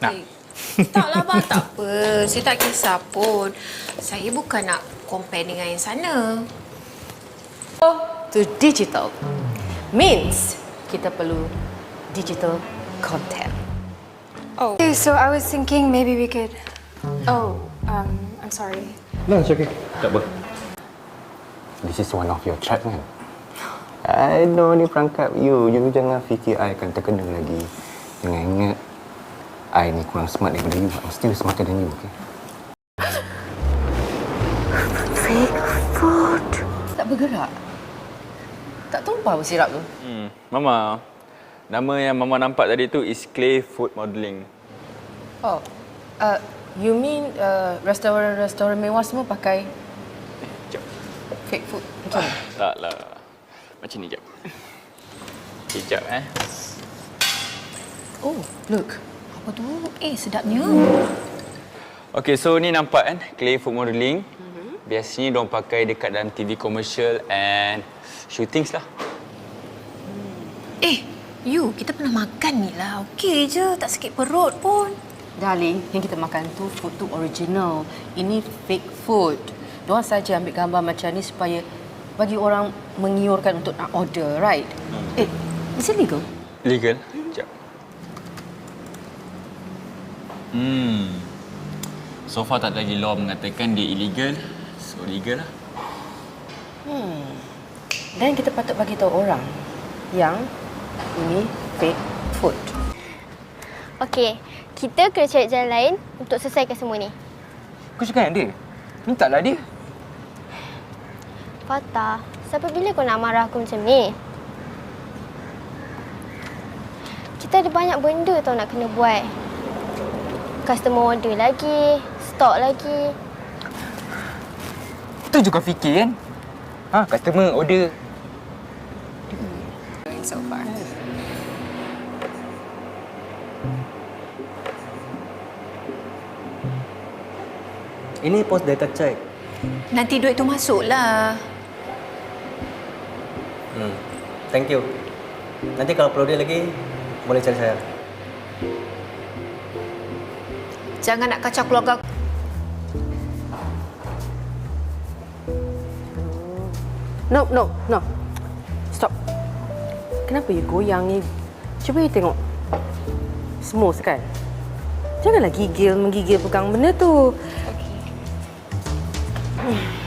Nak? Taklah bang, tak apa. Saya tak kisah pun. Saya bukan nak compare dengan yang sana. To digital means kita perlu digital content. Okay, so I was thinking maybe we could... Oh, I'm sorry. No, it's okay. Tak apa. This is one of your trap kan? I know ni perangkap you. You jangan fikir I akan terkena lagi. Jangan ingat, I ni kurang smart daripada you. I'm still smarter than you, okay? Fake food. Tak bergerak. Tak tumpah sirap tu. Mama, nama yang Mama nampak tadi tu is Clay Food Modelling. Oh, you mean restoran mewah semua pakai Jap. fake food macam ni? Taklah. Macam ni, jap. Kejap, Oh, look. Apa tu? Sedapnya. Okay, so ni nampak kan, Clay Food Modelling. Biasanya diorang pakai dekat dalam TV commercial and shootings lah. You, kita pernah makan ni lah. Okey je, tak sakit perut pun. Darling, yang kita makan tu food tu original. Ini fake food. Diorang saja ambil gambar macam ni supaya bagi orang mengiurkan untuk nak order, right? Is it legal? Legal? Sekejap. So far tak ada lagi law mengatakan dia illegal. So legal lah. Dan kita patut bagi tahu orang yang ini fake food. Okey, kita kena cari jalan lain untuk selesaikan semua ni. Kau cakap dengan dia? Mintalah dia. Fatah, sampai bila kau nak marah aku macam ni? Kita ada banyak benda tau nak kena buat. Customer order lagi, stok lagi. Itu juga fikir kan? Customer order. So far. Ini post data check. Nanti duit tu masuklah. Thank you. Nanti kalau perlu dia lagi, boleh cari saya. Jangan nak kacau keluarga aku. No. Stop. Kenapa you goyang ni? Cuba you tengok. Smooth kan? Janganlah menggigil pegang benda tu. Okay.